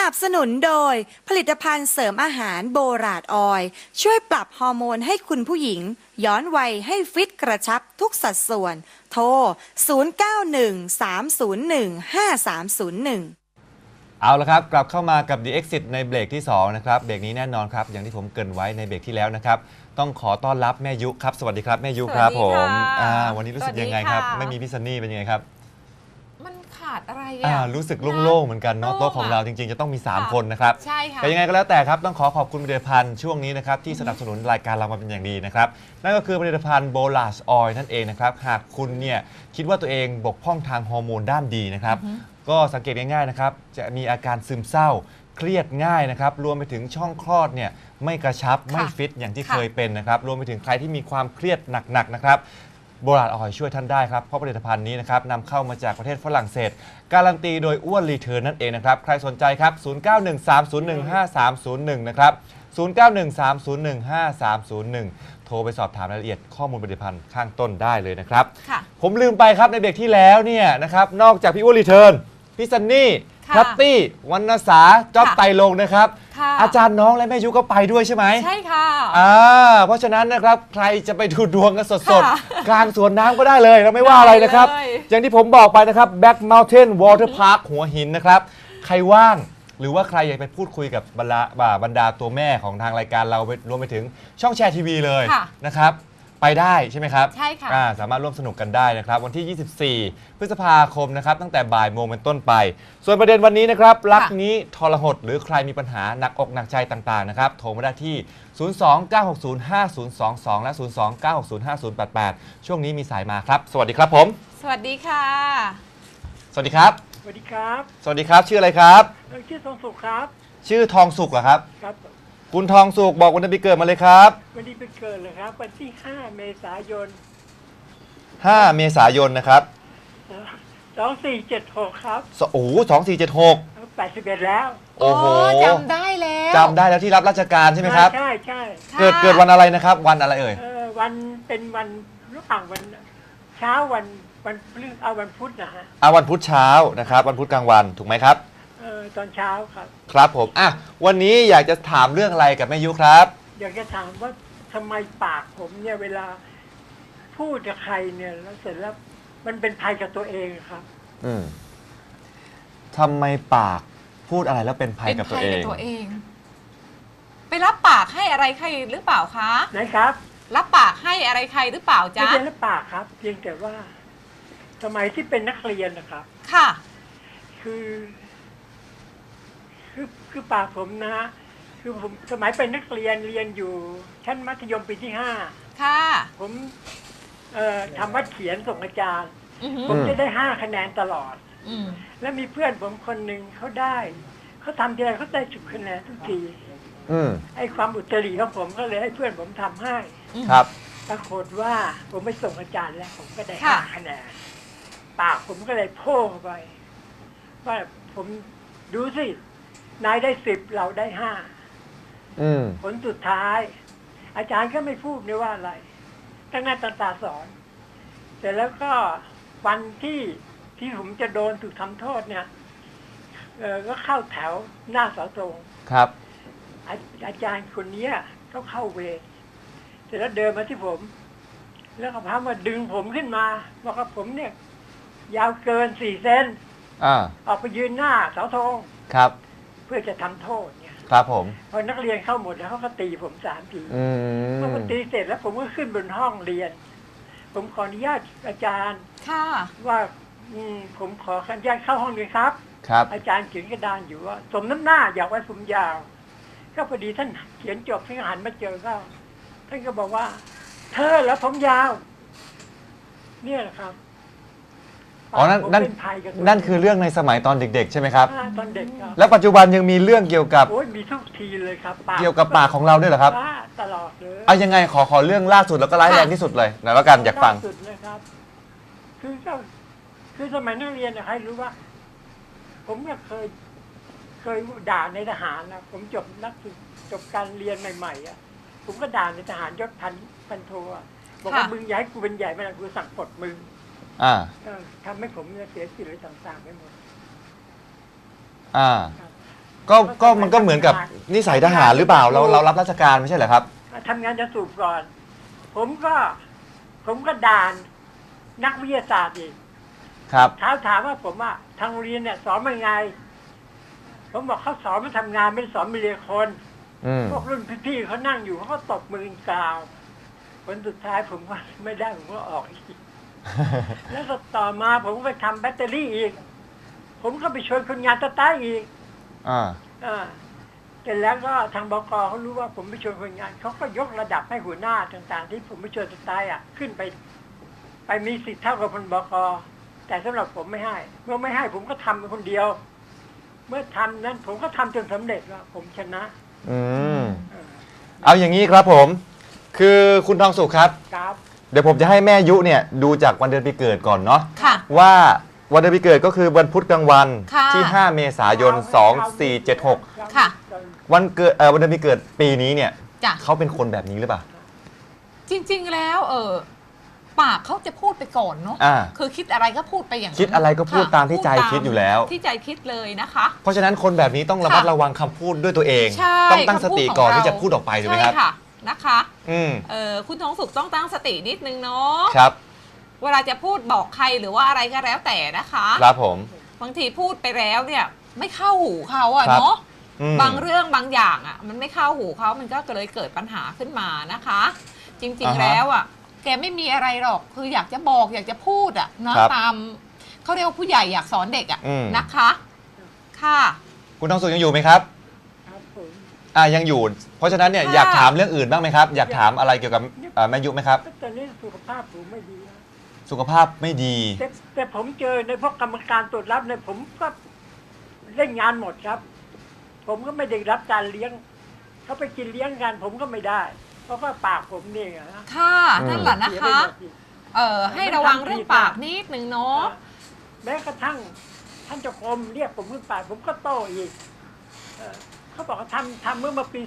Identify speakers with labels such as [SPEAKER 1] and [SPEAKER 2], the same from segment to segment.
[SPEAKER 1] นับสนุนโดยผลิตภัณฑ์เสริมอาหารโบราณออยล์ช่วยปรับฮอร์โมนให้คุณผู้หญิงย้อนวัยให้ฟิตกระชับทุกสัดส่วน โทร 0913015301
[SPEAKER 2] เอาละครับกลับเข้ามากับ The Exit ในเบรกที่2นะครับเบรกนี้แน่นอนครับอย่างที่ผมเกริ่นไว้ในเบรกที่แล้วนะครับต้องขอต้อนรับแม่ยุครับสวัสดีครับแม่ยุครับผมวันนี้รู้สึกยังไงครับไม่มีพี่ซันนี่เป็นยังไงครับ
[SPEAKER 3] มันขาดอะไร
[SPEAKER 2] รู้สึกโล่งๆเหมือนกันเนาะโต๊ะของเราจริงๆจะต้องมี3คนนะครับ
[SPEAKER 3] ใช่ค่ะ
[SPEAKER 2] แต่ยังไงก็แล้วแต่ครับต้องขอบคุณผลิตภัณฑ์ช่วงนี้นะครับที่สนับสนุนรายการเรามาเป็นอย่างดีนะครับนั่นก็คือผลิตภัณฑ์โบลัสออยล์นั่นเองนะครับหากคุณเนี่ยคิดว่าตัวเองบกพร่องทางฮอร์โมนด้านดีนะครับก็สังเกตง่ายๆนะครับจะมีอาการซึมเศร้าเครียดง่ายนะครับรวมไปถึงช่องคลอดเนี่ยไม่กระชับไม่ฟิตอย่างที่เคยเป็นนะครับรวมไปถึงใครที่มีความเครียดหนักๆนะครับโบราณออยล์ช่วยท่านได้ครับเพราะผลิตภัณฑ์นี้นะครับนำเข้ามาจากประเทศฝรั่งเศสการันตีโดยอ้วนรีเทิร์นนั่นเองนะครับใครสนใจครับ0913015301นะครับ0913015301โทรไปสอบถามรายละเอียดข้อมูลผลิตภัณฑ์ข้างต้นได้เลยนะครับผมลืมไปครับในเบรกที่แล้วเนี่ยนะครับนอกจากพี่อ้วนรีเทิร์นพี่ซันนี่พัตตี้วรรณสาจ๊อบไตรลงนะครับอาจารย์น้องและแม่ยุก็ไปด้วยใช่ไหม
[SPEAKER 3] ใช่ค่ะ
[SPEAKER 2] เพราะฉะนั้นนะครับใครจะไปดูดวงกันสดๆกลางสวนน้ำก็ได้เลยเราไม่ว่าอะไรนะครับอย่างที่ผมบอกไปนะครับ Back Mountain Water Park หัวหินนะครับใครว่างหรือว่าใครอยากไปพูดคุยกับบรรดาตัวแม่ของทางรายการเรารวมไปถึงช่องแชร์ทีวีเลยนะครับไปได้ใช่ไหมครับ
[SPEAKER 3] ใช่ค่ะ
[SPEAKER 2] สามารถร่วมสนุกกันได้นะครับวันที่ 24 พฤษภาคมนะครับตั้งแต่บ่ายโมงเป็นต้นไป ส่วนประเด็นวันนี้นะครับรักนี้ทรหดหรือใครมีปัญหาหนักอกหนักใจต่างๆนะครับโทรมาได้ที่ 029605022 และ 029605088 ช่วงนี้มีสายมาครับสวัสดีครับผม
[SPEAKER 3] สวัสดีค่ะ
[SPEAKER 2] สวัสดีครับ
[SPEAKER 4] สวัสดีครับ
[SPEAKER 2] สวัสดีครับชื่ออะไรครับ
[SPEAKER 4] ชื่อทองสุขครับ
[SPEAKER 2] ชื่อทองสุขเหรอครับ
[SPEAKER 4] ครับ
[SPEAKER 2] คุณทองสุขบอกวันเดือนปีเกิดมาเลยครับ
[SPEAKER 4] วันนี้เป็นเกิดเลยครับวันที่5 เมษายน
[SPEAKER 2] 5 เมษายนนะครับ
[SPEAKER 4] 2476ครับ
[SPEAKER 2] โอ้โห2476
[SPEAKER 4] 81แล้ว
[SPEAKER 2] โอ้โห
[SPEAKER 3] จำได้แล้ว
[SPEAKER 2] ที่รับราชการใช่ไหมครับ
[SPEAKER 4] ใช่ใช่
[SPEAKER 2] เกิดวันอะไรนะครับวันอะไรเอ่ย
[SPEAKER 4] วันเป็นวันระหว่างวันเช้าวันพฤหัสวันพุธนะฮะ
[SPEAKER 2] วันพุธเช้านะครับวันพุธกลางวันถูกไหมครับ
[SPEAKER 4] ตอนเช้าครับ
[SPEAKER 2] ครับผมวันนี้อยากจะถามเรื่องอะไรกับแม่ยุครับ
[SPEAKER 4] อยากจะถามว่าทำไมปากผมเนี่ยเวลาพูดกับใครเนี่ยแล้วเสร็จแล้วมันเป็นภัยกับตัวเองครับ
[SPEAKER 2] ทำไมปากพูดอะไรแล้วเป็นภัยกับตัวเอง
[SPEAKER 3] ไปรับปากให้อะไรใครหรือเปล่าคะ
[SPEAKER 4] ไหนครับ
[SPEAKER 3] รับปากให้อะไรใครหรือเปล่าจ๊ะ
[SPEAKER 4] ไม่ใช่รับปากครับเพียงแต่ว่าสมัยที่เป็นนักเรียนนะครับ
[SPEAKER 3] ค่ะ
[SPEAKER 4] คือปากผมนะฮะคือผมสมัยเป็นนักเรียนอยู่ชั้นมัธยมปีที่5
[SPEAKER 3] ค่ะ
[SPEAKER 4] ผมทำวัดเขียนส่งอาจารย์ผมจะได้5 คะแนนตลอดแล้วมีเพื่อนผมคนหนึ่งเขาทำทีไรเขาได้10 คะแนนทุกทีไอ้ความอุตริของผมก็เลยให้เพื่อนผมทำให้
[SPEAKER 2] ครับ
[SPEAKER 4] ปรากฏว่าผมไปส่งอาจารย์แล้วผมก็ได้5 คะแนนปากผมก็เลยโพ่งไปว่าผมดูสินายได้10เราได้5ผลสุดท้ายอาจารย์ก็ไม่พูดเลยว่าอะไรตั้งหน้าตาสอนเสร็จแล้วก็วันที่ผมจะโดนถูกทำโทษเนี่ยก็เข้าแถวหน้าเสาธง
[SPEAKER 2] ครับ
[SPEAKER 4] อาจารย์คนนี้เขาเข้าเวรเสร็จแล้วเดินมาที่ผมแล้วก็พามาดึงผมขึ้นมาบอกว่าผมเนี่ยยาวเกิน4 เซนออกไปยืนหน้าเสาธง
[SPEAKER 2] ครับ
[SPEAKER 4] เพื่อจะทำโทษเนี่ย
[SPEAKER 2] ครับผม
[SPEAKER 4] พอนักเรียนเข้าหมดแล้วเขาก็ตีผม3 ทีเมื่อตีเสร็จแล้วผมก็ขึ้นบนห้องเรียนผมขออนุญาตอาจารย์ว่าผมขออนุญาตเข้าห้องเลยครับอาจารย์เขียนกระดานอยู่ว่าสมน้ำหน้าอยากไว้ผมยาวก็พอดีท่านเขียนจบท่านหันมาเจอเขาท่านก็บอกว่าเธอแล้วผมยาวเนี่ยแหละครับ
[SPEAKER 2] นั่นคือเรื่องในสมัยตอนเด็กๆใช่ไหมครับ
[SPEAKER 4] ตอนเด็กครับ
[SPEAKER 2] แล้วปัจจุบันยังมีเรื่องเกี่ยวกับ
[SPEAKER 4] มีทุกทีเลยครับ
[SPEAKER 2] เกี่ยวกับปากของเราด้วยเหรอครับ
[SPEAKER 4] ตลอดเลย
[SPEAKER 2] เอายังไงขอเรื่องล่าสุดแล้วก็ร้ายแรงที่สุดเลยนะแล้วกันอยากฟัง
[SPEAKER 4] สุดเลยครับคือสมัยนักเรียนเนี่ยให้รู้ว่าผมเนี่ยเคยด่าในทหารนะผมจบการเรียนใหม่ๆผมก็ด่าในทหารยศพันโทบอกว่ามึงอย่าให้กูเป็นใหญ่ไม่ได้กูสั่งปลดมึงทำให้ผมเสียสิทธิ์อะไรต่างๆไปหมด
[SPEAKER 2] ก็มันก็เหมือนกับนิสัยทหารหรือเปล่าเรารับราชการไม่ใช่เหรอครับ
[SPEAKER 4] ทำงานจะสูบก่อน ผมก็ด่านนักวิทยาศาสตร์อีก
[SPEAKER 2] ครับ
[SPEAKER 4] ถามว่าผมว่าทางโรงเรียนเนี่ยสอนมันไง ผมบอกเขาสอนมันทำงานไม่ได้สอนมันเรียนคน
[SPEAKER 2] อืม
[SPEAKER 4] พวกรุ่นพี่ๆเขานั่งอยู่เขาก็ตบมือกล่าวผลสุดท้ายผมว่าไม่ได้ผมก็ออกอีก แล้วก็ต่อมาผมก็ไปทำแบตเตอรี่อีก ผมก็ไปช่วยคนงานสตาร์ทอีก
[SPEAKER 2] อ่า
[SPEAKER 4] เสร็จแล้วก็ทางบกเขารู้ว่าผมไปช่วยคนงานเขาก็ยกระดับให้หัวหน้าต่างๆ ที่ผมไปช่วยสตาร์ทขึ้นไปมีสิทธิ์เท่ากับพลบกแต่สำหรับผมไม่ให้ เมื่อไม่ให้ผมก็ทำคนเดียว เมื่อทำนั้นผมก็ทำจนสำเร็จว่าผมชนะ
[SPEAKER 2] อืมเอาอย่างนี้ครับผม คือคุณทองสุขครับ
[SPEAKER 4] ครับ
[SPEAKER 2] เดี๋ยวผมจะให้แม่ยุเนี่ยดูจากวันเดือนปีเกิดก่อนเนาะ
[SPEAKER 3] ค่ะ
[SPEAKER 2] ว่าวันเดือนปีเกิดก็คือวันพุธกลางวัน
[SPEAKER 3] ค่ะ
[SPEAKER 2] ที่ 5 เมษายน 2476
[SPEAKER 3] ค่ะ
[SPEAKER 2] วันเกิดวันเดือนปีเกิดปีนี้เนี่ย
[SPEAKER 3] จ้ะ
[SPEAKER 2] เขาเป็นคนแบบนี้หรือเปล่า
[SPEAKER 3] จริงๆแล้วปากเขาจะพูดไปก่อนเนาะ
[SPEAKER 2] อ่า
[SPEAKER 3] คือคิดอะไรก็พูดไปอย่างนั้น
[SPEAKER 2] คิดอะไรก็พูด
[SPEAKER 3] ค่ะ
[SPEAKER 2] ตามที่ใจ
[SPEAKER 3] พูด
[SPEAKER 2] คิดอยู่แล้ว
[SPEAKER 3] ที่ใจคิดเลยนะคะ
[SPEAKER 2] เพราะฉะนั้นคนแบบนี้ต้องระมัดระวังคำพูดด้วยตัวเอง
[SPEAKER 3] ใช่
[SPEAKER 2] ต้องตั้งสติก่อน
[SPEAKER 3] คำพูดของ
[SPEAKER 2] ที่จะพูดออกไปถูกไหมครับ
[SPEAKER 3] ใช่ค่ะนะคะ
[SPEAKER 2] อืม
[SPEAKER 3] คุณทองสุขต้องตั้งสตินิดนึงเนาะ
[SPEAKER 2] ครับ
[SPEAKER 3] เวลาจะพูดบอกใครหรือว่าอะไรก็แล้วแต่นะคะ
[SPEAKER 2] ครับผม
[SPEAKER 3] บางทีพูดไปแล้วเนี่ยไม่เข้าหูเขาอะ
[SPEAKER 2] ครับ
[SPEAKER 3] เนาะ
[SPEAKER 2] อืม
[SPEAKER 3] บางเรื่องบางอย่างอะมันไม่เข้าหูเขามันก็เลยเกิดปัญหาขึ้นมานะคะ จริงๆแล้วอะแกไม่มีอะไรหรอกคืออยากจะบอกอยากจะพูดอะเนาะ
[SPEAKER 2] ครับ
[SPEAKER 3] ตามเขาเรียกว่าผู้ใหญ่อยากสอนเด็กอะ
[SPEAKER 2] อืม
[SPEAKER 3] นะคะ ค่ะ
[SPEAKER 2] คุณทองสุขยังอยู่ไหมครับ
[SPEAKER 4] ครับผม
[SPEAKER 2] ยังอยู่ เพราะฉะนั้นเนี่ย
[SPEAKER 3] ค่ะ
[SPEAKER 2] อยากถามเรื่องอื่นบ้างไหมครับ อยากถามอะไรเกี่ยวกับแม่ยุไหมครับ
[SPEAKER 4] ตอนนี้สุขภาพผมไม่ดีนะ
[SPEAKER 2] สุขภาพไม่ดี
[SPEAKER 4] แต่ผมเจอในพวกกรรมการตรวจรับเนี่ยผมก็เล่นงานหมดครับ ผมก็ไม่ได้รับการเลี้ยงเขาไปกินเลี้ยงกันผมก็ไม่ได้ เพราะว่าปากผมเนี่ยนะ
[SPEAKER 3] ค่ะ
[SPEAKER 2] อืม
[SPEAKER 3] นั่นแหละนะคะ
[SPEAKER 4] เสียไปหมดอีก
[SPEAKER 3] ให้ระวังเรื่องปากนิดนึงเนาะ
[SPEAKER 4] แม้กระทั่งท่านเจ้าคมเรียกผมขึ้นไปผมก็โต้อีกเขาบอกว่าทำเมื่อปี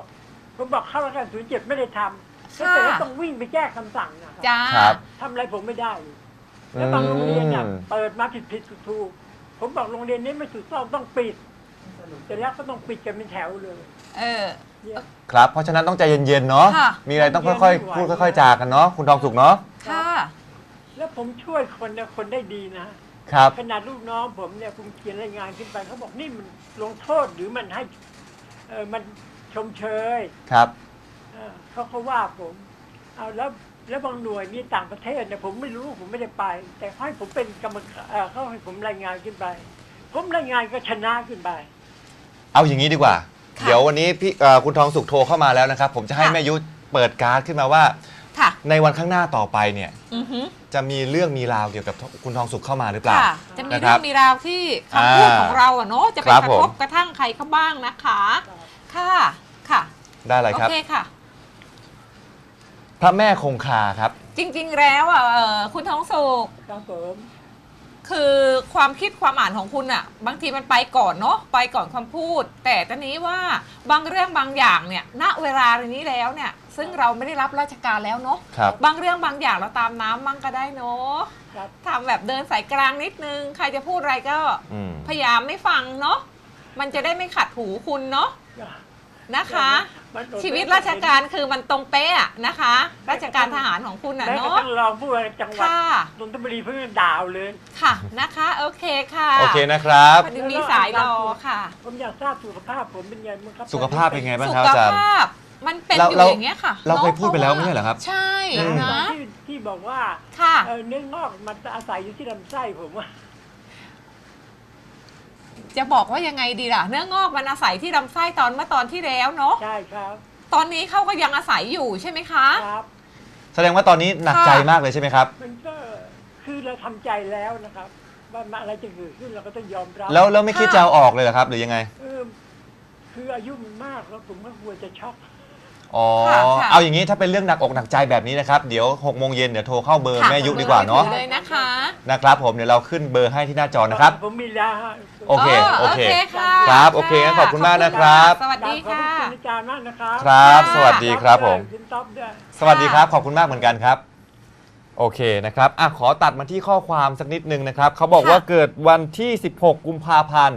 [SPEAKER 4] 06 ผมบอกเข้าแล้วกัน07 ไม่ได้ทำแล้วแต่ว่าต้องวิ่งไปแก้คำสั่งนะครับ
[SPEAKER 3] จ้า
[SPEAKER 2] ครับ
[SPEAKER 4] ทำอะไรผมไม่ได้อีกแล้วบางโรงเรียนเนี่ยเปิดมาผิดถูกๆผมบอกโรงเรียนนี้ไม่ถูกต้องต้องปิดแต่แล้วก็ต้องปิดกันเป็นแถวเลย เนี่ย
[SPEAKER 2] ครับ เพราะฉะนั้นต้องใจเย็นๆเนาะ
[SPEAKER 3] ค่ะ
[SPEAKER 2] มีอะไรต้องค่อยๆ พูดค่อยๆ จากันเนาะ คุณทองสุขเนาะ
[SPEAKER 3] ค่ะ
[SPEAKER 4] แล้วผมช่วยคนเนี่ยคนได้ดีนะ
[SPEAKER 2] ครับ
[SPEAKER 4] ขนาดลูกน้องผมเนี่ยผมเขียนรายงานขึ้นไปเขาบอกนี่มันลงโทษหรือมันให้มันชมเชย
[SPEAKER 2] ครับ
[SPEAKER 4] เขาว่าผมเอาแล้วบางหน่วยนี่ต่างประเทศเนี่ยผมไม่รู้ผมไม่ได้ไป แต่เขาให้ผมเป็นกรรมการเขาให้ผมรายงานขึ้นไป ผมรายงานก็ชนะขึ้นไป
[SPEAKER 2] เอาอย่างนี้ดีกว่า
[SPEAKER 3] ค่ะ
[SPEAKER 2] เดี๋ยววันนี้พี่คุณทองสุขโทรเข้ามาแล้วนะครับ ผมจะให้
[SPEAKER 3] ค่ะ
[SPEAKER 2] แม่ยุเปิดการ์ดขึ้นมาว่า
[SPEAKER 3] ค่ะ
[SPEAKER 2] ในวันข้างหน้าต่อไปเนี่ย
[SPEAKER 3] อือฮึ
[SPEAKER 2] จะมีเรื่องมีราวเกี่ยวกับคุณทองสุขเข้ามาหรือเปล่า
[SPEAKER 3] ค่ะ จะมี
[SPEAKER 2] นะค
[SPEAKER 3] เรื่
[SPEAKER 2] รั
[SPEAKER 3] อบ งมีราวที่คำพูดของเราอะเนาะจะไป
[SPEAKER 2] ครับ
[SPEAKER 3] กระ
[SPEAKER 2] ผม
[SPEAKER 3] ทบกระทั่งใครเขาบ้างนะคะ ค่ะ ค่ะ
[SPEAKER 2] ได้เลย
[SPEAKER 3] โอ
[SPEAKER 2] ครับ
[SPEAKER 3] เคค่ะ
[SPEAKER 2] พระแม่คงคาครับ
[SPEAKER 3] จริงๆแล้วอ่ะคุณทองสุข
[SPEAKER 4] ครับผม
[SPEAKER 3] คือความคิดความอ่านของคุณอ่ะ บางทีมันไปก่อนเนาะไปก่อนความพูด แต่ตอนนี้ว่าบางเรื่องบางอย่างเนี่ยณเวลานี้แล้วเนี่ย ซึ่งเราไม่ได้รับราชการแล้วเนาะ
[SPEAKER 2] ครับ
[SPEAKER 3] บางเรื่องบางอย่างเราตามน้ำมั่งก็ได้เนาะ
[SPEAKER 4] ครับ
[SPEAKER 3] ทำแบบเดินสายกลางนิดนึง ใครจะพูดอะไรก็
[SPEAKER 2] อืม
[SPEAKER 3] พยายามไม่ฟังเนาะมันจะได้ไม่ขัดหูคุณเนาะนะคะ ชีวิตราชการคือมันตรงเป๊ะอะนะคะ ราชการทหารของคุณอ่ะ
[SPEAKER 4] แม้กระ
[SPEAKER 3] เนาะ
[SPEAKER 4] ทั่งรองผู้ว่าจังหวัด
[SPEAKER 3] ค่ะ
[SPEAKER 4] นนทบุรีเพิ่งดาวเลย
[SPEAKER 3] ค่ะนะคะ โอเคค่ะ
[SPEAKER 2] โอเคนะครับ
[SPEAKER 3] พอดีมีสายรอค่ะ
[SPEAKER 4] ผมอยากทราบสุขภาพผมเป็นไงบ้างครับ
[SPEAKER 2] สุขภาพเป็นไงบ้าง
[SPEAKER 3] สุ
[SPEAKER 2] ครับ
[SPEAKER 3] ข
[SPEAKER 2] อาจารย์
[SPEAKER 3] ภาพมันเป็น
[SPEAKER 2] เรา
[SPEAKER 3] อยู่
[SPEAKER 2] เรา
[SPEAKER 3] อย่างเงี้ยค่ะ
[SPEAKER 2] เราเคย
[SPEAKER 3] นะ
[SPEAKER 2] พูดไปแล้วไม่ใช่เหรอครับ
[SPEAKER 3] ใช่
[SPEAKER 4] ตอน
[SPEAKER 3] นะ
[SPEAKER 4] ที่บอกว่า
[SPEAKER 3] ค่ะ
[SPEAKER 4] เนื้องอกมันอาศัยอยู่ที่ลำไส้ผมว่า
[SPEAKER 3] จะบอกว่ายังไงดีล่ะ เนื้องอกมันอาศัยที่ลำไส้เมื่อตอนที่แล้วเนาะ
[SPEAKER 4] ใช่ครับ
[SPEAKER 3] ตอนนี้เขาก็ยังอาศัยอยู่ใช่ไหมคะ
[SPEAKER 4] ครับ
[SPEAKER 2] แสดงว่าตอนนี้หนักใจมากเลยใช่ไหมครับ
[SPEAKER 4] มันก็คือเราทำใจแล้วนะครับ ว่าอะไรจะเกิดขึ้นเราก็ต้องยอมรับ
[SPEAKER 2] แล้วไม่คิดจะเอาออกเลยเหรอครับ หรือยังไง
[SPEAKER 4] คืออายุมันมากแล้วผมก็กลัวจะช็อก
[SPEAKER 2] อ๋อ
[SPEAKER 3] ค่ะ
[SPEAKER 2] เอาอย่างนี้ถ้าเป็นเรื่องหนักอกหนักใจแบบนี้นะครับ เดี๋ยว6 โมงเย็นเดี๋ยวโทรเข้าเบอร์
[SPEAKER 3] ค่ะ
[SPEAKER 2] แม่ยุดีกว่าเนาะ
[SPEAKER 3] เลยนะคะ
[SPEAKER 2] นะครับผมเดี๋ยวเราขึ้นเบอร์ให้ที่หน้าจอนะครับ
[SPEAKER 4] ผมมียา
[SPEAKER 2] โอเค
[SPEAKER 3] โอเคค่ะ
[SPEAKER 2] ครับโอเคงั้นขอบคุณมากนะครับ
[SPEAKER 3] สวัสดี
[SPEAKER 4] ขอบ
[SPEAKER 3] ค่ะ
[SPEAKER 4] คุณอาจารย์มากนะครับ
[SPEAKER 2] ครับ
[SPEAKER 3] ค่ะ
[SPEAKER 2] สวัสดีครับผม
[SPEAKER 4] คุณต๊อบด้วย
[SPEAKER 2] สวัสดีครับ ขอบคุณมากเหมือนกันครับ โอเคนะครับขอตัดมาที่ข้อความสักนิดนึงนะครับเขาบอกว่าเกิดวันที่ 16 กุมภาพันธ์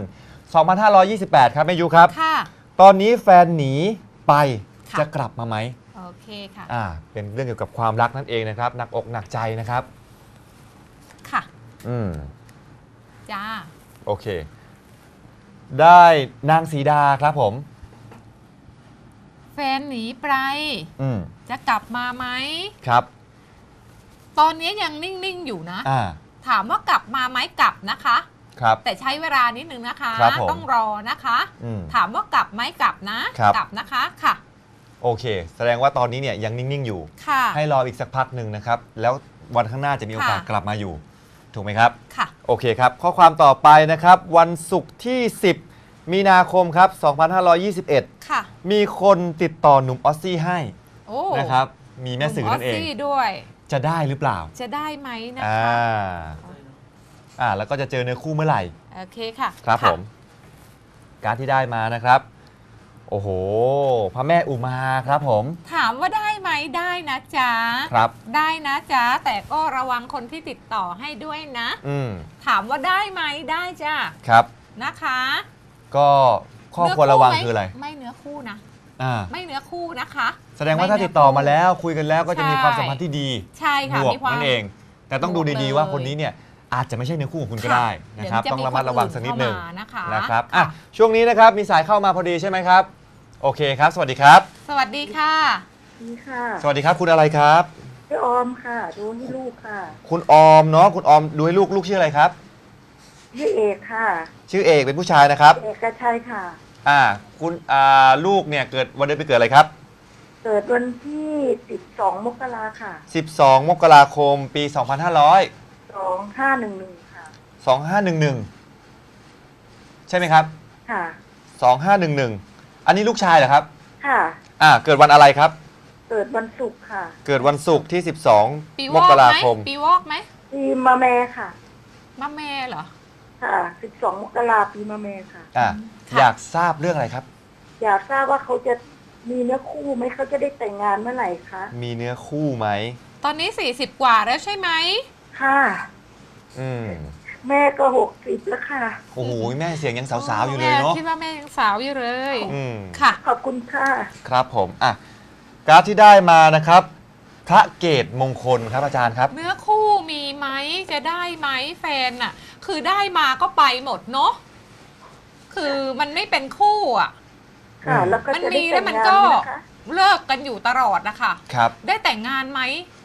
[SPEAKER 2] 2528 ครับแม่ยุครับ
[SPEAKER 3] ค่ะ
[SPEAKER 2] ตอนนี้แฟนหนีไป
[SPEAKER 3] ค่ะ
[SPEAKER 2] จะกลับมาไหม
[SPEAKER 3] โอเคค่ะ
[SPEAKER 2] เป็นเรื่องเกี่ยวกับความรักนั่นเองนะครับหนักอกหนักใจนะครับ
[SPEAKER 3] ค่ะ
[SPEAKER 2] อืม
[SPEAKER 3] จ้า
[SPEAKER 2] โอเค ได้นางสีดาครับผม
[SPEAKER 3] แฟนหนีไป
[SPEAKER 2] อืม
[SPEAKER 3] จะกลับมาไหม
[SPEAKER 2] ครับ
[SPEAKER 3] ตอนนี้ยังนิ่งๆอยู่นะ
[SPEAKER 2] อ่า
[SPEAKER 3] ถามว่ากลับมาไหมกลับนะคะ
[SPEAKER 2] ครับ
[SPEAKER 3] แต่ใช้เวลานิดนึงนะคะ
[SPEAKER 2] ครับผม
[SPEAKER 3] ต้องรอนะคะ
[SPEAKER 2] อืม
[SPEAKER 3] ถามว่ากลับไหมกลับนะ
[SPEAKER 2] ครับ
[SPEAKER 3] กลับนะคะค่ะ
[SPEAKER 2] โอเค แสดงว่าตอนนี้เนี่ยยังนิ่ง ๆ อยู่
[SPEAKER 3] ค่ะ
[SPEAKER 2] ให้รออีกสักพักหนึ่งนะครับ แล้ววันข้างหน้าจะมีโอกาส
[SPEAKER 3] ค่ะ
[SPEAKER 2] กลับมาอยู่ ถูกไหมครับ
[SPEAKER 3] ค่ะ
[SPEAKER 2] โอเคครับ ข้อความต่อไปนะครับ วันศุกร์ที่ 10 มีนาคมครับ 2521
[SPEAKER 3] ค่ะ
[SPEAKER 2] มีคนติดต่อหนุ่มออสซี่ให้
[SPEAKER 3] โอ้
[SPEAKER 2] นะครับ มีแม่สื่อนั่นเอง
[SPEAKER 3] หมซี่ด้วย
[SPEAKER 2] จะได้หรือเปล่า
[SPEAKER 3] จะได้ไหมนะ
[SPEAKER 2] อ่า
[SPEAKER 3] คะ
[SPEAKER 2] แล้วก็จะเจอเนื้อคู่เมื่อไหร่
[SPEAKER 3] โอเคค่ะ
[SPEAKER 2] ครับ
[SPEAKER 3] ะ
[SPEAKER 2] ผม การดที่ได้มานะครับ โอ้โห พระแม่อุมาครับผม
[SPEAKER 3] ถามว่าได้ไหมได้นะจ๊ะ
[SPEAKER 2] ครับ
[SPEAKER 3] ได้นะจ๊ะ แต่ก็ระวังคนที่ติดต่อให้ด้วยนะ
[SPEAKER 2] อืม
[SPEAKER 3] ถามว่าได้ไหมได้จ้ะ
[SPEAKER 2] ครับ
[SPEAKER 3] นะคะ
[SPEAKER 2] ก็ข้อควรระวังคืออะไร
[SPEAKER 3] ไม่เนื้อคู่นะ
[SPEAKER 2] อ่า
[SPEAKER 3] ไม่เนื้อคู่นะคะ
[SPEAKER 2] แสดงว่าถ้าติดต่อมาแล้วคุยกันแล้วก็จะมีความสัมพันธ์ที่ดี
[SPEAKER 3] ใช่ค่ะ
[SPEAKER 2] บวก
[SPEAKER 3] มีความ
[SPEAKER 2] นั่นเอง แต่ต้องดู
[SPEAKER 3] บวก
[SPEAKER 2] ดี
[SPEAKER 3] เลย
[SPEAKER 2] ๆว่าคนนี้เนี่ยอาจจะไม่ใช่เนื้อคู่ของคุณก็
[SPEAKER 3] ค่ะ
[SPEAKER 2] ได้นะครับ
[SPEAKER 3] เดี๋ยวจะ
[SPEAKER 2] ต้องระมัดระวังสักนิดหนึ่ง
[SPEAKER 3] มีคนอื่นเข้ามานะคะ
[SPEAKER 2] นะครับ
[SPEAKER 3] ค่ะ
[SPEAKER 2] ช่วงนี้นะครับมีสายเข้ามาพอดีใช่ไหมครับ โอเคครับ สวัสดีครับ
[SPEAKER 3] สวัสดีค่ะ
[SPEAKER 5] นี่ค่ะ
[SPEAKER 2] สวัสดีครับคุณอะไรครับ
[SPEAKER 5] พี่ออมค่ะ ดูให้ลูกค่ะ
[SPEAKER 2] คุณออมเนาะคุณออมดูให้ลูกชื่ออะไรครับ
[SPEAKER 5] พี่เอกค่ะ
[SPEAKER 2] ชื่อเอกเป็นผู้ชายนะครับ
[SPEAKER 5] เอกชัยค่ะ
[SPEAKER 2] คุณลูกเนี่ยเกิดวันเดือนปีเกิดอะไรครับ
[SPEAKER 5] เกิดวันที่12 มกราค่ะ
[SPEAKER 2] 12 มกราคมปี 2500
[SPEAKER 5] 2511ค่ะ
[SPEAKER 2] 2511 ใช่ไหมครับ
[SPEAKER 5] ค่ะ
[SPEAKER 2] 2511 อันนี้ลูกชายเหรอครับ
[SPEAKER 5] ค่ะ
[SPEAKER 2] เกิดวันอะไรครับ
[SPEAKER 5] เกิดวันศุกร์ค่ะ
[SPEAKER 2] เกิดวันศุกร์ที่
[SPEAKER 3] ปี
[SPEAKER 2] 12
[SPEAKER 3] ว
[SPEAKER 2] ม
[SPEAKER 3] อก
[SPEAKER 2] กรา
[SPEAKER 3] ไหม
[SPEAKER 2] คม
[SPEAKER 3] ปีวอกไหม
[SPEAKER 5] ปีมะแม่ค่ะ
[SPEAKER 3] มะแม่เหรอ
[SPEAKER 5] ค่ะ 12 มกราปีมะแม่ค่ะ
[SPEAKER 3] ค่ะ
[SPEAKER 2] อยากทราบเรื่องอะไรครับ
[SPEAKER 5] อยากทราบว่าเขาจะมีเนื้อคู่ไหมเขาจะได้แต่งงานเมื่อไหร่คะ
[SPEAKER 2] มีเนื้อคู่ไหม
[SPEAKER 3] ตอนนี้ 40 กว่าแล้วใช่ไหม
[SPEAKER 5] ค่ะ
[SPEAKER 2] อืม
[SPEAKER 5] แม่ก็60แล้วค่ะ
[SPEAKER 2] โอ้โหแม่เสียงยังสาวๆอยู่เลยเนาะ
[SPEAKER 3] แม่คิดว่าแม่ยังสาวอยู่เลย
[SPEAKER 2] อืม
[SPEAKER 3] ค่ะ
[SPEAKER 5] ขอบคุณค่ะ
[SPEAKER 2] ครับผมการ์ดที่ได้มานะครับ พระเกตมงคลครับอาจารย์ครับ
[SPEAKER 3] เนื้อคู่มีไหมจะได้ไหมแฟนน่ะ คือได้มาก็ไปหมดเนาะคือมันไม่เป็นคู่อ่ะ
[SPEAKER 5] ค่ะ
[SPEAKER 2] อืม
[SPEAKER 5] แล้วก็
[SPEAKER 3] มัน
[SPEAKER 5] จะ
[SPEAKER 3] มี
[SPEAKER 5] ได้
[SPEAKER 3] แล้
[SPEAKER 5] แต่
[SPEAKER 3] ว
[SPEAKER 5] ง
[SPEAKER 3] มัน
[SPEAKER 5] งาน
[SPEAKER 3] ก็
[SPEAKER 5] ไหมนะคะ
[SPEAKER 3] เลิกกันอยู่ตลอดนะคะ
[SPEAKER 2] ครับ
[SPEAKER 3] ได้แต่งงานไหม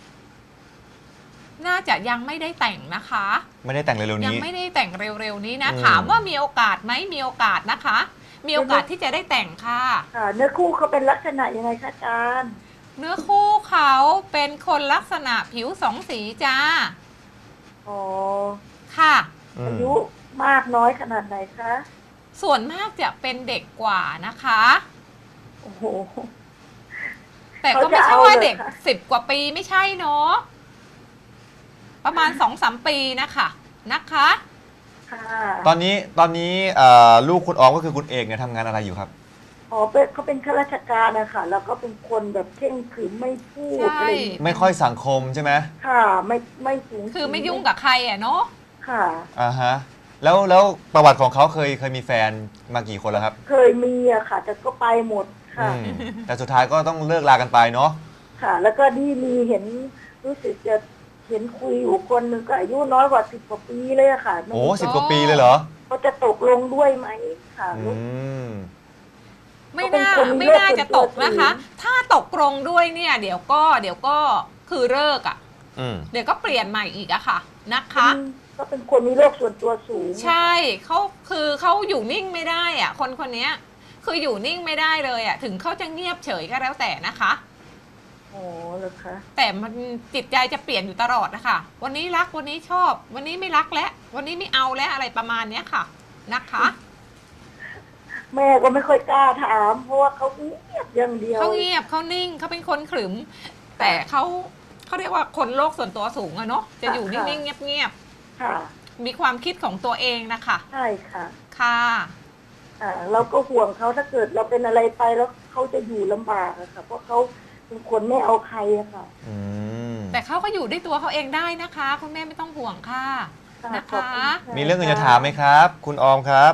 [SPEAKER 3] น่าจะยังไม่ได้แต่งนะคะ
[SPEAKER 2] ไม่ได้แต่งเร็วๆ
[SPEAKER 3] ยัง
[SPEAKER 2] นี้
[SPEAKER 3] ไม่ได้แต่งเร็วๆนี้นะ
[SPEAKER 2] อืม
[SPEAKER 3] ถามว่ามีโอกาสไหมมีโอกาสนะคะ มีโอกาสที่จะได้แต่งค่ะ
[SPEAKER 5] ค่ะ เนื้อคู่เขาเป็นลักษณะยังไงคะอาจารย์
[SPEAKER 3] เนื้อคู่เขาเป็นคนลักษณะผิวสองสีจ้า
[SPEAKER 5] อ๋อ
[SPEAKER 3] ค่ะ
[SPEAKER 2] อืม
[SPEAKER 5] อายุมากน้อยขนาดไหนคะ
[SPEAKER 3] ส่วนมากจะเป็นเด็กกว่านะคะ
[SPEAKER 5] โอ้โห
[SPEAKER 3] แต่ก็ไม่ใช่
[SPEAKER 5] เขาจะเอา
[SPEAKER 3] ว่าเด็ก
[SPEAKER 5] เหรอคะ
[SPEAKER 3] 10 กว่าปีไม่ใช่เนาะประมาณ 2-3 ปีนะคะนะคะ
[SPEAKER 5] ค่ะ
[SPEAKER 2] ตอนนี้ลูกคุณออมก็คือคุณเอกเนี่ยทำงานอะไรอยู่ครับ
[SPEAKER 5] อ๋อเป็นเขาเป็นข้าราชการนะคะแล้วก็เป็นคนแบบเข่งขรึมไม่พูด
[SPEAKER 3] ใช่
[SPEAKER 5] อะไรอย่างเงี้ย
[SPEAKER 2] ไม่ค่อยสังคมใช่ไหม
[SPEAKER 5] ค่ะ ไม่สูง
[SPEAKER 3] คือไม่ยุ่งกับใครอ่ะเนาะ
[SPEAKER 5] ค่ะ
[SPEAKER 2] ฮะแล้วประวัติของเขาเคยมีแฟนมากี่คนแล้วครับ
[SPEAKER 5] เคยมีอะค่ะ แต่ก็ไปหมดค่ะ
[SPEAKER 2] อืมแต่สุดท้ายก็ต้องเลิกลากันไปเนาะ
[SPEAKER 5] ค่ะ แล้วก็นี่มีเห็นรู้สึกจะเห็นคุยอยู่คนหนึ่งก็อายุน้อยกว่า10 กว่าปีเลยอะค่ะไม่
[SPEAKER 2] โอ้
[SPEAKER 5] รู้
[SPEAKER 2] 10 กว่าปีเลยเหรอ
[SPEAKER 5] เขาจะตกลงด้วยไหมค่ะ
[SPEAKER 2] อืม
[SPEAKER 3] ไม่น่า
[SPEAKER 5] เขาเป็นคนมี
[SPEAKER 3] ไม่น่าจะตกนะคะ
[SPEAKER 5] โรคส่วนตัวสูง
[SPEAKER 3] ถ้าตกลงด้วยเนี่ย เดี๋ยวก็คือเลิกอ่ะ
[SPEAKER 2] อืม
[SPEAKER 3] เดี๋ยวก็เปลี่ยนใหม่อีกอะค่ะนะคะ
[SPEAKER 5] ก็เป็นคนมีโรคส่วนตัวสูง
[SPEAKER 3] ใช่เขาอยู่นิ่งไม่ได้อ่ะ คนคนเนี้ยคืออยู่นิ่งไม่ได้เลยอ่ะ ถึงเขาจะเงียบเฉยก็แล้วแต่นะคะ
[SPEAKER 5] โอ้เหรอคะ
[SPEAKER 3] แต่มันจิตใจจะเปลี่ยนอยู่ตลอดนะคะวันนี้รักวันนี้ชอบ วันนี้ไม่รักแล้ววันนี้ไม่เอาแล้วอะไรประมาณเนี้ยค่ะนะคะ
[SPEAKER 5] แม่ก็ไม่ค่อยกล้าถาม เพราะว่าเขาเงียบอย่างเดียว
[SPEAKER 3] เขาเงียบเขานิ่งเขาเป็นคนขรึม แต่เขาเรียกว่าคนโลกส่วนตัวสูงอะเนาะจะอยู่นิ่งๆเงียบ
[SPEAKER 5] ค่ะ
[SPEAKER 3] ๆมีความคิดของตัวเองนะคะ
[SPEAKER 5] ใช่ค่ะ
[SPEAKER 3] ค่ะ
[SPEAKER 5] เราก็ห่วงเขาถ้าเกิดเราเป็นอะไรไปแล้วเขาจะอยู่ลำบากอะค่ะ เพราะเขาเป็นคนไม่เอาใครอะค่ะ
[SPEAKER 2] อืม
[SPEAKER 3] แต่เขาก็อยู่ด้วยตัวเขาเองได้นะคะ คุณแม่ไม่ต้องห่วงค่ะ
[SPEAKER 5] ค่ะ
[SPEAKER 3] นะ
[SPEAKER 5] ขอบ
[SPEAKER 3] คะ
[SPEAKER 5] คุณค่ะ
[SPEAKER 2] มีเรื่องอื่นจะถามไหมครับ คุณออมครับ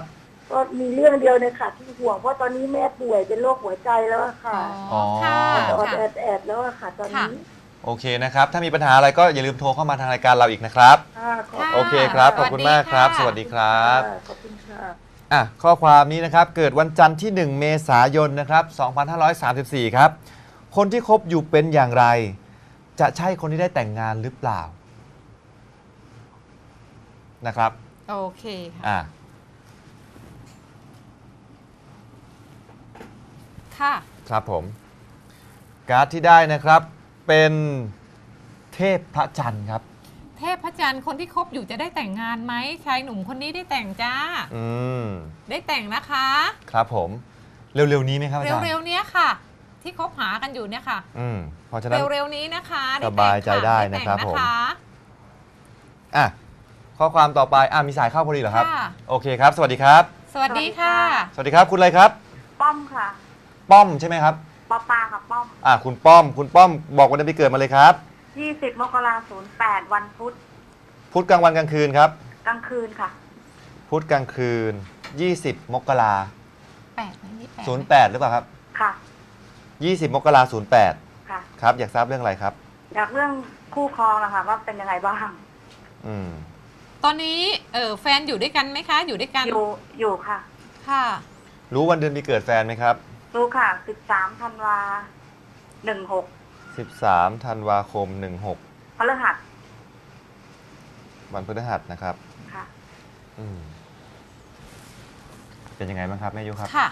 [SPEAKER 5] ก็มีเรื่องเดียวเนี่ยค่ะที่ห่วงเพราะตอนนี้แม่ป่วยเป็นโรคหัวใจแล้วอะค่ะ
[SPEAKER 3] อ๋อค่ะ
[SPEAKER 5] ออด
[SPEAKER 3] ค่ะ
[SPEAKER 5] แอดแล้วอะค่ะ ตอนนี้
[SPEAKER 2] โอเคนะครับ ถ้ามีปัญหาอะไรก็อย่าลืมโทรเข้ามาทางรายการเราอีกนะครับ
[SPEAKER 5] ค่ะขอบ
[SPEAKER 3] ค่ะ
[SPEAKER 2] โอเคครับ ขอบคุณมากครับ
[SPEAKER 3] ส
[SPEAKER 2] ส
[SPEAKER 3] วั
[SPEAKER 2] วั
[SPEAKER 3] ส
[SPEAKER 2] ส
[SPEAKER 3] ดี
[SPEAKER 2] ดีค
[SPEAKER 3] ค่ะ
[SPEAKER 2] รับ
[SPEAKER 5] ขอบคุณค่ะ
[SPEAKER 2] ข้อความนี้นะครับ เกิดวันจันทร์ที่ 1 เมษายนนะครับ 2534 ครับ คนที่คบอยู่เป็นอย่างไร จะใช่คนที่ได้แต่งงานหรือเปล่านะครับ
[SPEAKER 3] โอเคค่ะ
[SPEAKER 2] อ่ะ
[SPEAKER 3] ค่ะ
[SPEAKER 2] ครับผม การ์ดที่ได้นะครับเป็นเทพพระจันทร์ครับ
[SPEAKER 3] เทพพระจันทร์คนที่คบอยู่จะได้แต่งงานไหมชายหนุ่มคนนี้ได้แต่งจ้า
[SPEAKER 2] อืม
[SPEAKER 3] ได้แต่งนะคะ
[SPEAKER 2] ครับผม เร็วๆนี้ไหมครับอาจารย์
[SPEAKER 3] เร็วๆเนี้ยค่ะ ที่คบหากันอยู่เนี่ยค่ะ
[SPEAKER 2] เพราะฉะนั้น
[SPEAKER 3] เร็วๆนี้นะคะได้
[SPEAKER 2] ส
[SPEAKER 3] แต่ง
[SPEAKER 2] บายใจได้
[SPEAKER 3] ค่
[SPEAKER 2] นะครับ
[SPEAKER 3] แต่ง
[SPEAKER 2] ผม
[SPEAKER 3] นะคะ
[SPEAKER 2] อ่ะข้อความต่อไปมีสายเข้าพอดีเหรอครับ
[SPEAKER 3] ค่ะ
[SPEAKER 2] โอเคครับ สวัสดีครับ
[SPEAKER 3] สวัสดีค่ะ
[SPEAKER 2] สวัสดีครับ คุณอะไรครับ
[SPEAKER 5] ป้อมค่ะ
[SPEAKER 2] ป้อมใช่ไหมครับ
[SPEAKER 5] ปอปาค่ะป้อม
[SPEAKER 2] คุณป้อมบอกวันเดือนปีเกิดมาเลยครับ
[SPEAKER 5] 20 มกราคม 08 วันพุธ
[SPEAKER 2] พุธกลางวันกลางคืนครับ
[SPEAKER 5] กลางคืนค่ะ
[SPEAKER 2] พุธกลางคืน 20 มกรา
[SPEAKER 3] 8ไหมนี่8
[SPEAKER 2] 08หรือเปล่าครับ
[SPEAKER 5] ค่ะ
[SPEAKER 2] 20 มกรา08
[SPEAKER 5] ค่ะ
[SPEAKER 2] ครับ อยากทราบเรื่องอะไรครับ
[SPEAKER 5] อยากเรื่องคู่ครองนะคะว่าเป็นยังไงบ้าง
[SPEAKER 2] อืม
[SPEAKER 3] ตอนนี้แฟนอยู่ด้วยกันไหมคะ อยู่ด้วยกัน
[SPEAKER 5] อยู่ค่ะ
[SPEAKER 3] ค่ะ
[SPEAKER 2] รู้วันเดือนปีเกิดแฟนไหมครับ
[SPEAKER 5] รู้ค่ะ 13 ธันวา 16
[SPEAKER 2] 13 ธันวาคม 16
[SPEAKER 5] พฤหัส
[SPEAKER 2] วันพฤหัสนะครับ
[SPEAKER 5] ค่ะ
[SPEAKER 2] อืมเป็นยังไงบ้างครับแม่ยุครับ
[SPEAKER 3] ค่ะ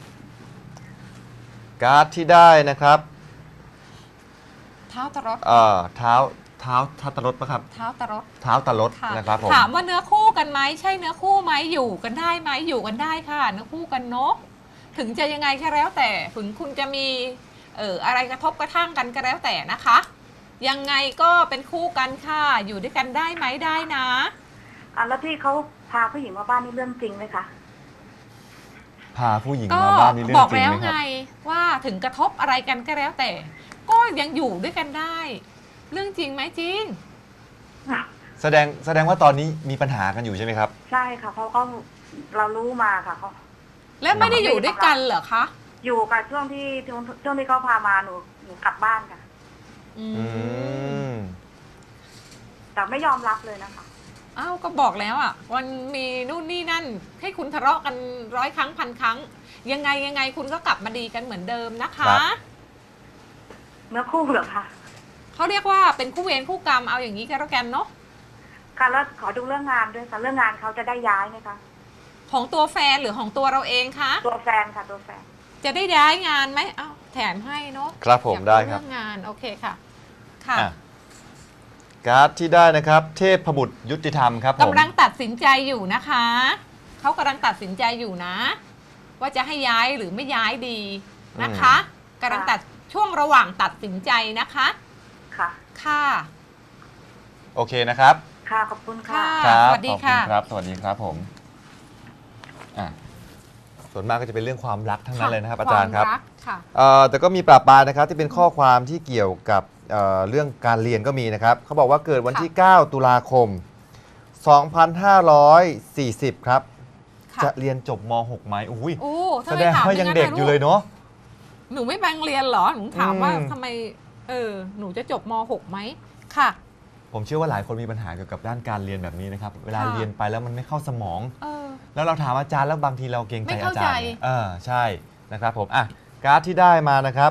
[SPEAKER 2] การ์ดที่ได้นะครับ
[SPEAKER 3] เท้าตะรด
[SPEAKER 2] เท้าทัตรถปะครับ
[SPEAKER 3] เท้าตะรด
[SPEAKER 2] เท้าตะรถ
[SPEAKER 3] ค่ะ
[SPEAKER 2] นะครับผม
[SPEAKER 3] ถามว่าเนื้อคู่กันไหมใช่เนื้อคู่ไหมอยู่กันได้ไหมอยู่กันได้ค่ะ เนื้อคู่กันเนาะถึงจะยังไงก็แล้วแต่ถึงคุณจะมีอะไรกระทบกระทั่งกันก็แล้วแต่นะคะ ยังไงก็เป็นคู่กันค่ะ อยู่ด้วยกันได้ไหมได้นะ
[SPEAKER 5] แล้วที่เขาพาผู้หญิงมาบ้านนี่เรื่องจริงไหมคะ
[SPEAKER 2] พาผู้หญิง
[SPEAKER 3] ก็
[SPEAKER 2] มาบ้านนี่เรื่
[SPEAKER 3] บ
[SPEAKER 2] อ
[SPEAKER 3] อง ก
[SPEAKER 2] จริง
[SPEAKER 3] แล้ว
[SPEAKER 2] ไหมค
[SPEAKER 3] ไง
[SPEAKER 2] รับ
[SPEAKER 3] ว่าถึงกระทบอะไรกันก็แล้วแต่ ก็ยังอยู่ด้วยกันได้ เรื่องจริงไหมจริง
[SPEAKER 2] แสดงว่าตอนนี้มีปัญหากันอยู่ใช่ไหมครับ
[SPEAKER 5] ใช่ค่ะเพราะเขาเรารู้มาค่ะเขา
[SPEAKER 3] และไม่ได้อยู่ด้วยกันเหรอคะ
[SPEAKER 5] อยู่กับช่วงที่เขาพามาหนูกลับบ้านค่ะ
[SPEAKER 3] อื
[SPEAKER 2] อื
[SPEAKER 3] ม
[SPEAKER 2] ม
[SPEAKER 5] แต่ไม่ยอมรับเลยนะคะ
[SPEAKER 3] อ้าวก็บอกแล้วอ่ะวันมีนู่นนี่นั่น ให้คุณทะเลาะกัน100 ครั้ง1,000 ครั้ง ยังไงคุณก็กลับมาดีกันเหมือนเดิมนะคะ
[SPEAKER 2] ครับ
[SPEAKER 5] เนื้อคู่เหรอคะ
[SPEAKER 3] เขาเรียกว่าเป็นคู่เวรคู่กรรมเอาอย่างนี้ก็แล้วกันเนาะ
[SPEAKER 5] ค่ะแล้วขอดูเรื่องงานด้วยค่ะเรื่องงานเขาจะได้ย้ายไหมคะ
[SPEAKER 3] ของตัวแฟนหรือของตัวเราเองคะ
[SPEAKER 5] ตัวแฟนค่ะตัวแฟน
[SPEAKER 3] จะได้ย้ายงานไหมอ้าวแถมให้เนาะ
[SPEAKER 2] ครับผม
[SPEAKER 3] อยาก
[SPEAKER 2] ได้ครับ
[SPEAKER 3] เรื่องงานโอเคค่ะค่ะ
[SPEAKER 2] อ่ะการ์ดที่ได้นะครับ เทพบุตรยุติธรรมครับผม
[SPEAKER 3] กำลังตัดสินใจอยู่นะคะเขากำลังตัดสินใจอยู่นะ ว่าจะให้ย้ายหรือไม่ย้ายดีนะคะกำลังตัดช่วงระหว่างตัดสินใจนะคะ
[SPEAKER 5] ค่ะ
[SPEAKER 3] ค่ะ
[SPEAKER 2] โอเคนะครับ
[SPEAKER 5] ค่ะขอบคุณค่ะ
[SPEAKER 3] ค่ะ
[SPEAKER 2] ครับ
[SPEAKER 3] สวัสดี
[SPEAKER 2] ขอบ
[SPEAKER 3] ค่ะ
[SPEAKER 2] ณครับ สวัสดีครับผมส่วนมากก็จะเป็นเรื่องความรักทั้งนั้นเลยนะครับ อาจารย์ครับ
[SPEAKER 3] วมกค่ะ
[SPEAKER 2] แต่ก็มีปราบปรายนะครับที่เป็นข้อความที่เกี่ยวกับเรื่องการเรียนก็มีนะครับเขาบอกว่าเกิดวันที่ 9 ตุลาคม 2540 ครับ
[SPEAKER 3] ค่ะ
[SPEAKER 2] จะเรียนจบม .6 ไหมอุ้ย
[SPEAKER 3] โอ้
[SPEAKER 2] แสดงว่ายังเด็กอยู่เลยเนาะ
[SPEAKER 3] หนูไม่แบงเรียนเหรอหนูถามว่า
[SPEAKER 2] อืม
[SPEAKER 3] ทำไมหนูจะจบม .6 ไหมค่ะ
[SPEAKER 2] ผมเชื่อว่าหลายคนมีปัญหาเกี่ยวกับด้านการเรียนแบบนี้นะครับ เวลา
[SPEAKER 3] ค่ะ
[SPEAKER 2] เรียนไปแล้วมันไม่เข้าสมอง
[SPEAKER 3] เออ
[SPEAKER 2] แล้วเราถามอาจารย์แล้วบางทีเราเกรงใจ
[SPEAKER 3] ไม่
[SPEAKER 2] อา
[SPEAKER 3] เข้า
[SPEAKER 2] จารย์
[SPEAKER 3] ใจ
[SPEAKER 2] เนี่ยใช่นะครับผมการ์ดที่ได้มานะครับ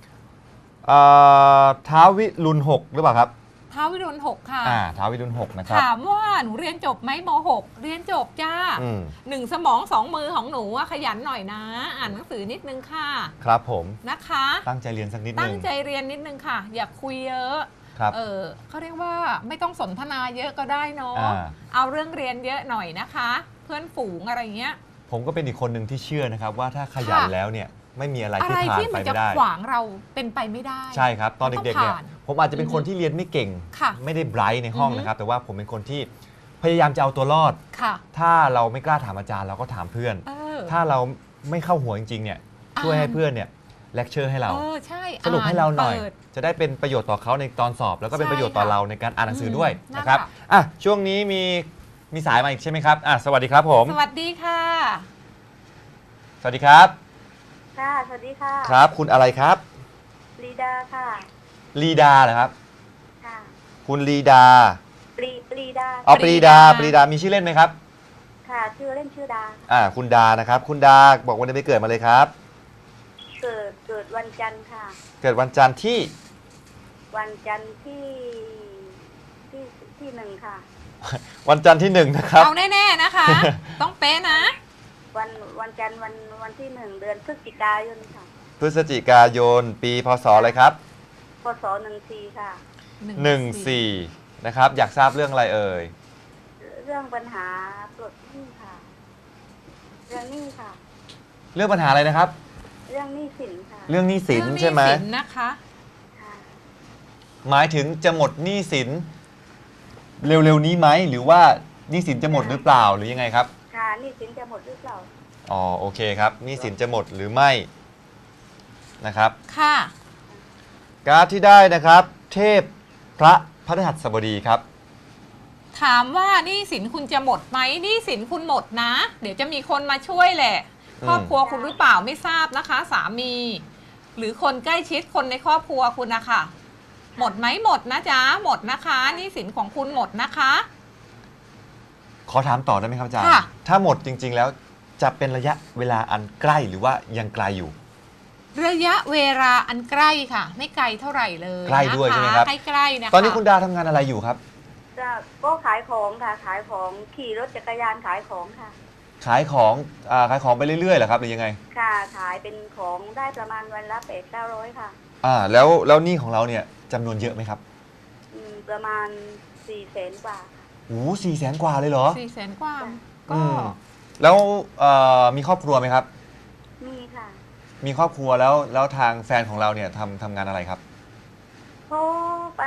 [SPEAKER 2] ท้าววิรุณ6หรือเปล่าครับ
[SPEAKER 3] ท้าววิรุณ6ค่ะ
[SPEAKER 2] ท้าววิรุณ6นะครับ
[SPEAKER 3] ถามว่าหนูเรียนจบไหมม .6 เรียนจบจ้า
[SPEAKER 2] อืม
[SPEAKER 3] 1 สมอง 2 มือของหนูอะขยันหน่อยนะ อ่านหนังสือนิดนึงค่ะ
[SPEAKER 2] ครับผม
[SPEAKER 3] นะคะ
[SPEAKER 2] ตั้งใจเรียนสักนิดนึ
[SPEAKER 3] ตั้
[SPEAKER 2] ง
[SPEAKER 3] งใจเรียนนิดนึงค่ะ อย่าคุยเยอะ
[SPEAKER 2] ครับ
[SPEAKER 3] เขาเรียกว่าไม่ต้องสนทนาเยอะก็ได้เนาะ
[SPEAKER 2] อ่า
[SPEAKER 3] เอาเรื่องเรียนเยอะหน่อยนะคะ เพื่อนฝูงอะไรเงี้ย
[SPEAKER 2] ผมก็เป็นอีกคนหนึ่งที่เชื่อนะครับว่าถ้าขยัน
[SPEAKER 3] ค่ะ
[SPEAKER 2] แล้วเนี่ยไม่มีอะไร
[SPEAKER 3] อะ
[SPEAKER 2] ที่
[SPEAKER 3] ไร
[SPEAKER 2] ผ่าน
[SPEAKER 3] ที่
[SPEAKER 2] ไป
[SPEAKER 3] มันจะ
[SPEAKER 2] ไม่ได้
[SPEAKER 3] ขวางเราเป็นไปไม่ได้
[SPEAKER 2] ใช่ครับ ตอนเด็กๆเนี่ย
[SPEAKER 3] มันต้องผ่าน
[SPEAKER 2] ผมอาจจะเป็นคนที่เรียนไม่เก่ง
[SPEAKER 3] ค่ะ
[SPEAKER 2] ไม่ได้ไบรท์ในห้อง
[SPEAKER 3] อือฮึ
[SPEAKER 2] นะครับ แต่ว่าผมเป็นคนที่พยายามจะเอาตัวรอด
[SPEAKER 3] ค่ะ
[SPEAKER 2] ถ้าเราไม่กล้าถามอาจารย์เราก็ถามเพื่อน ถ้าเราไม่เข้าหัวจริงๆเนี่ยช่วยให้เพื่อนเนี่ยเลคเชอร์ให้เรา
[SPEAKER 3] ใช่
[SPEAKER 2] สรุปให้เราหน่อย
[SPEAKER 3] ปิด
[SPEAKER 2] จะได้เป็นประโยชน์ต่อเขาในตอนสอบ แล้วก็เป็น
[SPEAKER 3] ใช่
[SPEAKER 2] ประโยชน์ต่อ
[SPEAKER 3] ค่ะ
[SPEAKER 2] เราในการอ่านหนังสือด้วย
[SPEAKER 3] นั่น
[SPEAKER 2] นะครับ
[SPEAKER 3] ค่ะ
[SPEAKER 2] ช่วงนี้มีสายมาอีกใช่ไหมครับสวัสดีครับผม
[SPEAKER 3] สวัสดีค่ะ
[SPEAKER 2] สวัสดีครับ
[SPEAKER 5] ค่ะ สวัสดีค่ะ
[SPEAKER 2] ครับ คุณอะไรครับ
[SPEAKER 5] ลีดาค่ะ
[SPEAKER 2] ลีดาเหรอครับ
[SPEAKER 5] ค่ะ
[SPEAKER 2] คุณลีดา
[SPEAKER 5] ปรีดา
[SPEAKER 2] อ๋อ
[SPEAKER 3] ป
[SPEAKER 2] ป
[SPEAKER 3] รี
[SPEAKER 2] รี
[SPEAKER 3] ดา
[SPEAKER 2] ดาปรีดามีชื่อเล่นไหมครับ
[SPEAKER 5] ค่ะ ชื่อเล่นชื่อดา
[SPEAKER 2] คุณดานะครับ คุณดาบอกวันเดือนปีเกิดมาเลยครับ
[SPEAKER 5] เกิดวันจันทร์ค่ะ
[SPEAKER 2] เกิดวันจันทร์ที่
[SPEAKER 5] วันจันทร์ที่หนึ่งค่ะ
[SPEAKER 2] วันจันทร์ที่ 1 นะครับ
[SPEAKER 3] เอาแน่ๆนะคะ ต้องเป๊ะนะ
[SPEAKER 5] วันจันทร์วันที่ 1 เดือนพฤศจิกายนค่ะ
[SPEAKER 2] พฤศจิกายนปีพศอะไรครับ
[SPEAKER 5] พศ14ค่ะ
[SPEAKER 2] 14นะครับ อยากทราบเรื่องอะไรเอ่ย
[SPEAKER 5] เรื่องปัญหาปลดหนี้ค่ะ เรื่องหนี้ค่ะ
[SPEAKER 2] เรื่องปัญหาอะไรนะครับ
[SPEAKER 5] เรื่องหนี้สินค่ะ
[SPEAKER 2] เรื่องหนี้สิน
[SPEAKER 3] เรื่อง
[SPEAKER 2] ใช่ไหม
[SPEAKER 3] สินนะคะ
[SPEAKER 5] ค่ะ
[SPEAKER 2] หมายถึงจะหมดหนี้สิน เร็วๆนี้ไหมหรือว่าหนี้สินจะหมดหรือเปล่าหรือยังไงครับ
[SPEAKER 5] ค่ะหนี้สินจะหมดหรือเปล่า
[SPEAKER 2] อ๋อโอเคครับหนี้สินจะหมดหรือไม่นะครับ
[SPEAKER 3] ค่ะ
[SPEAKER 2] การ์ดที่ได้นะครับ เทพพระพฤหัสบดีครับ
[SPEAKER 3] ถามว่าหนี้สินคุณจะหมดไหมหนี้สินคุณหมดนะ เดี๋ยวจะมีคนมาช่วยแหละ
[SPEAKER 2] อืม
[SPEAKER 3] ครอบครัวคุณหรือเปล่าไม่ทราบนะคะ สามี หรือคนใกล้ชิดคนในครอบครัวคุณนะคะหมดไหมหมดนะจ๊ะหมดนะคะหนี้สินของคุณหมดนะคะ
[SPEAKER 2] ขอถามต่อได้ไหมครับอาจารย์
[SPEAKER 3] ค่ะ
[SPEAKER 2] ถ้าหมดจริง ๆ แล้วจะเป็นระยะเวลาอันใกล้หรือว่ายังไกลอยู่
[SPEAKER 3] ระยะเวลาอันใกล้ค่ะ ไม่ไกลเท่าไหร่เลย
[SPEAKER 2] ใกล้ด้วย
[SPEAKER 3] นะคะ
[SPEAKER 2] ใช่ไหมครับ
[SPEAKER 3] ใกล้ๆนะคะ
[SPEAKER 2] ตอนนี้คุณดาทำงานอะไรอยู่ครับ
[SPEAKER 5] ก็ขายของค่ะ ขายของขี่รถจักรยานขายของค่ะ
[SPEAKER 2] ขายของไปเรื่อยๆเหรอครับหรือยังไง
[SPEAKER 5] ค่ะ ขายเป็นของได้ประมาณวันละ800-900ค่ะ
[SPEAKER 2] แล้วหนี้ของเราเนี่ยจำนวนเยอะไหมครับ
[SPEAKER 5] ประมาณ400,000 กว่าค่ะ
[SPEAKER 2] โอ้400,000 กว่าเลยเหรอ
[SPEAKER 3] 400,000 กว่า
[SPEAKER 2] อื
[SPEAKER 3] ก็
[SPEAKER 2] มแล้วมีครอบครัวไหมครับ
[SPEAKER 5] มีค่ะ
[SPEAKER 2] มีครอบครัวแล้วทางแฟนของเราเนี่ยทำงานอะไรครับ
[SPEAKER 5] เพราะปัน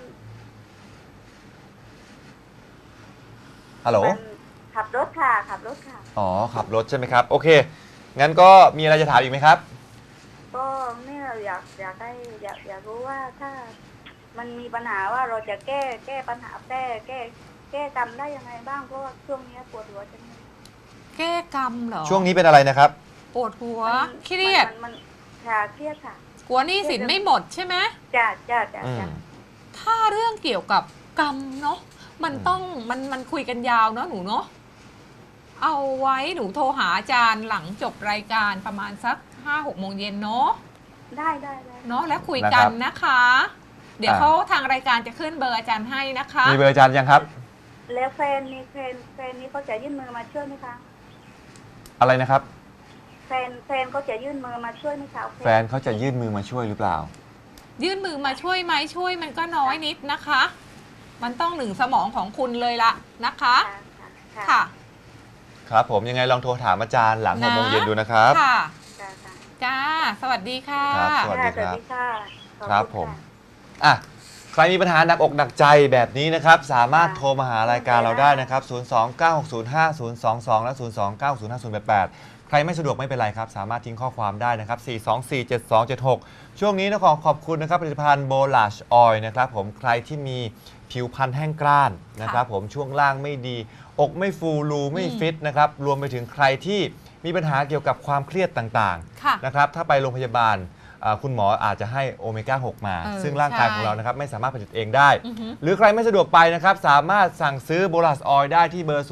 [SPEAKER 2] ฮัลโหล
[SPEAKER 5] ขับรถค่ะ ขับรถค่ะ
[SPEAKER 2] อ๋อขับรถใช่ไหมครับ โอเค งั้นก็มีอะไรจะถามอีกไหมครับ
[SPEAKER 5] ก็เนี่ยอยากรู้ว่าถ้ามันมีปัญหาว่าเราจะแก้ปัญหาแก้กรรมได้ยังไงบ้างเพราะว่าช่วงนี้ปวดหัวจังเลย
[SPEAKER 3] แก้กรรมเหรอ
[SPEAKER 2] ช่วงนี้เป็นอะไรนะครับ
[SPEAKER 3] ปวดหัว
[SPEAKER 5] มัน
[SPEAKER 3] เครียด
[SPEAKER 5] มันค่ะเครียดค่ะ
[SPEAKER 3] กลัวหนี้สินไม่หมดใช่ไหม
[SPEAKER 5] จ้า
[SPEAKER 2] อืม
[SPEAKER 3] ถ้าเรื่องเกี่ยวกับกรรมเนาะมันต้องมันคุยกันยาวเนาะหนูเนาะเอาไว้หนูโทรหาอาจารย์หลังจบรายการประมาณสัก 5-6 โมงเย็นเนาะ
[SPEAKER 5] ได้
[SPEAKER 3] เนาะแล้วคุยกันนะคะ เดี๋ยวเขาทางรายการจะขึ้นเบอร์อาจารย์ให้นะคะ
[SPEAKER 2] มีเบอร์อาจารย์ยังครับ
[SPEAKER 5] แล้วแฟนนี่เขาจะยื่นมือมาช่วยไหมคะ
[SPEAKER 2] อะไรนะครับ
[SPEAKER 5] แฟนเขาจะยื่นมือมาช่วยไหมคะ
[SPEAKER 2] แฟนเขาจะยื่นมือมาช่วยหรือเปล่า
[SPEAKER 3] ยื่นมือมาช่วยไหมช่วยมันก็น้อยนิดนะคะ มันต้องหนึ่งสมองของคุณเลยละนะคะ ค่ะ
[SPEAKER 2] ครับผมยังไงลองโทรถามอาจารย์หลัง 6 โมงเย็นดูนะครับ
[SPEAKER 3] ค่ะ
[SPEAKER 5] ค่ะ
[SPEAKER 3] จ้า สวัสดีค่ะ
[SPEAKER 2] ครับสวัสดี
[SPEAKER 5] สวัสดีค่ะขอณ
[SPEAKER 2] ครับผม
[SPEAKER 5] ะ
[SPEAKER 2] อ่ะใครมีปัญหาหนักอกหนักใจแบบนี้นะครับ สามารถโทรมาหารายการเราได้นะครับ 029605022 และ 029605088 ใครไม่สะดวกไม่เป็นไรครับ สามารถทิ้งข้อความได้นะครับ 4247276 ช่วงนี้นะขอบคุณนะครับผลิตภัณฑ์โบลัชออยล์นะครับผมใครที่มีผิวพรรณแห้งกร้านนะครับผมช่วงล่างไม่ดี อกไม่ฟูรูไม่ฟิตนะครับรวมไปถึงใครที่มีปัญหาเกี่ยวกับความเครียดต่าง
[SPEAKER 3] ค่ะ
[SPEAKER 2] ๆนะครับถ้าไปโรงพยาบาลคุณหมออาจจะให้โอเมก้า 6 มา ซึ่งร่างกายของเรานะครับไม่สามารถผลิตเองได้
[SPEAKER 3] อือหือ
[SPEAKER 2] หรือใครไม่สะดวกไปนะครับ สามารถสั่งซื้อโบลัสออยล์ได้ที่เบอร์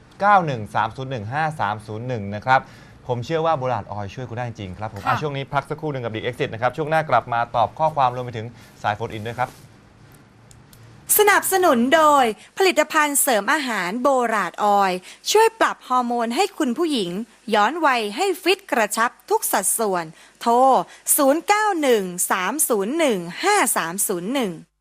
[SPEAKER 2] 0913015301 นะครับ ผมเชื่อว่าโบลัสออยล์ช่วยคุณได้จริงครับผมช่วงนี้พักสักครู่หนึ่งกับดีเอ็กซิสนะครับ ช่วงหน้ากลับมาตอบข้อความรวมไปถึงสายโฟนอินด้วยครับ
[SPEAKER 1] สนับสนุนโดยผลิตภัณฑ์เสริมอาหารโบราดออยล์ช่วยปรับฮอร์โมนให้คุณผู้หญิง ย้อนวัยให้ฟิตกระชับทุกสัดส่วน โทร 0913015301